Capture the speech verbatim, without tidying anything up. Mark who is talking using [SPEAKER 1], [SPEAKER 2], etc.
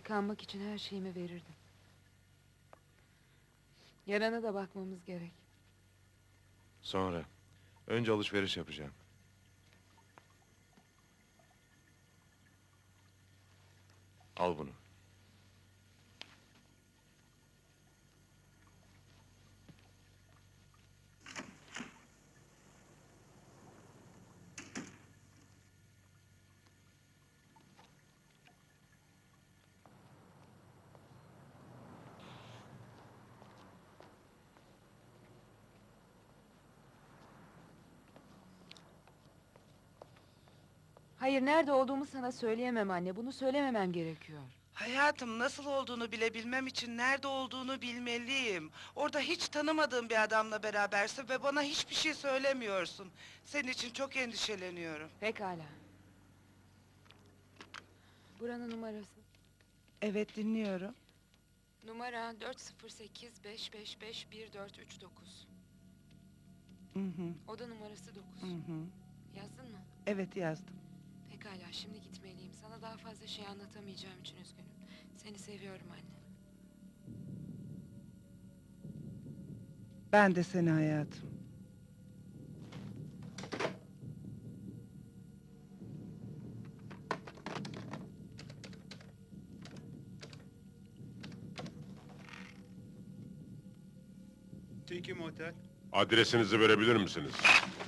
[SPEAKER 1] Yıkanmak için her şeyimi verirdim. Yarana da bakmamız gerek.
[SPEAKER 2] Sonra. Önce alışveriş yapacağım. Al bunu.
[SPEAKER 1] Hayır, nerede olduğumu sana söyleyemem anne. Bunu söylememem gerekiyor.
[SPEAKER 3] Hayatım, nasıl olduğunu bilebilmem için nerede olduğunu bilmeliyim. Orada hiç tanımadığım bir adamla berabersin ve bana hiçbir şey söylemiyorsun. Senin için çok endişeleniyorum.
[SPEAKER 1] Pekala. Buranın numarası.
[SPEAKER 3] Evet, dinliyorum.
[SPEAKER 1] Numara dört sıfır sekiz beş beş beş bir dört üç dokuz.
[SPEAKER 3] Hı hı,
[SPEAKER 1] Oda numarası dokuz.
[SPEAKER 3] hı hı.
[SPEAKER 1] Yazdın mı?
[SPEAKER 3] Evet, yazdım.
[SPEAKER 1] Pekala, şimdi gitmeliyim. Sana daha fazla şey anlatamayacağım için üzgünüm. Seni seviyorum anne.
[SPEAKER 3] Ben de seni hayatım.
[SPEAKER 4] Tiki Motel.
[SPEAKER 5] Adresinizi verebilir misiniz?